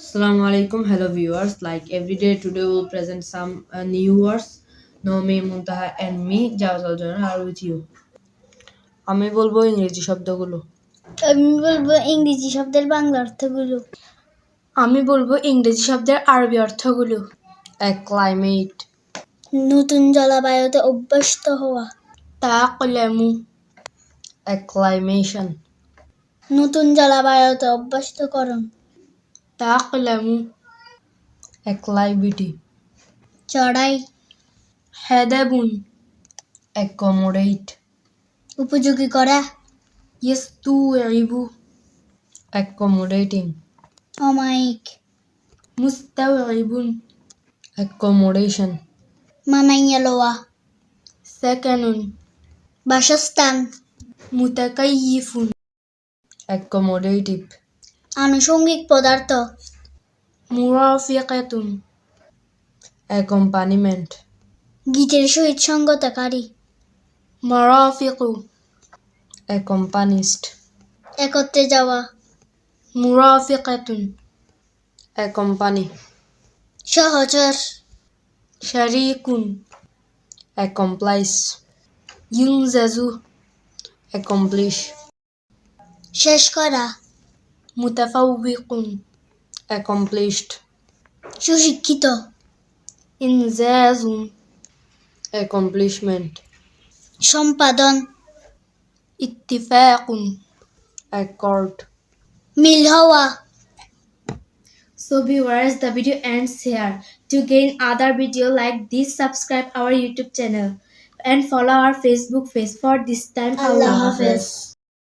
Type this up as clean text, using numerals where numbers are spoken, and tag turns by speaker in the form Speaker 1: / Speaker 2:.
Speaker 1: Assalamu alaikum, hello viewers. Like every day, today we'll present some new words. Nomi, Muntaha, and me, Jawzal Jona, are with you. আমি বলবো ইংরেজি শব্দগুলো।
Speaker 2: আমি বলবো ইংরেজি শব্দের বাংলা অর্থগুলো।
Speaker 3: আমি বলবো ইংরেজি শব্দের আরবি অর্থগুলো।
Speaker 1: ক্লাইমেট,
Speaker 2: নতুন জলবায়ুতে অভ্যস্ত হওয়া।
Speaker 3: তাআক্লামু,
Speaker 1: acclimation,
Speaker 2: নতুন জলবায়ুতে অভ্যস্তকরণ।
Speaker 3: তাআক্লামু,
Speaker 1: acclivity,
Speaker 2: চড়াই।
Speaker 3: হাদাবুন,
Speaker 1: accommodate,
Speaker 2: উপযোগী করা।
Speaker 3: ইস্তুইবু,
Speaker 1: accommodating,
Speaker 2: অমায়িক।
Speaker 3: মুস্তাউইবুন,
Speaker 1: accommodation,
Speaker 2: মানাইয়া লওয়া।
Speaker 3: সাকানুন,
Speaker 2: বাসস্থান।
Speaker 3: মুতাকাইয়িফুন,
Speaker 1: accommodative,
Speaker 2: আনুষঙ্গিক পদার্থ।
Speaker 3: মুরাফিকাতুন,
Speaker 1: accompaniment,
Speaker 2: গীতের সহিত সঙ্গতকারী।
Speaker 3: মারাফিকু,
Speaker 1: accompanist,
Speaker 2: একত্রে যাওয়া।
Speaker 3: মুরাফিকাতুন,
Speaker 1: accompany,
Speaker 2: সহচর।
Speaker 3: শারীকুন,
Speaker 1: accomplice,
Speaker 3: ইউনজাজু,
Speaker 1: accomplish,
Speaker 2: শেষ করা।
Speaker 3: মুতাফাউবিকুন,
Speaker 1: accomplished,
Speaker 2: সুশিক্ষিত।
Speaker 3: ইনজাজুন,
Speaker 1: accomplishment,
Speaker 2: সম্পাদন।
Speaker 3: ইত্তিফাকুন।
Speaker 1: accord.
Speaker 2: মিল হওয়া।
Speaker 3: So viewers, the video ends here. To gain other video like this, subscribe our YouTube channel and follow our Facebook page. For this time,
Speaker 2: Allah
Speaker 3: Allah
Speaker 2: হাফেজ।
Speaker 3: Hafiz.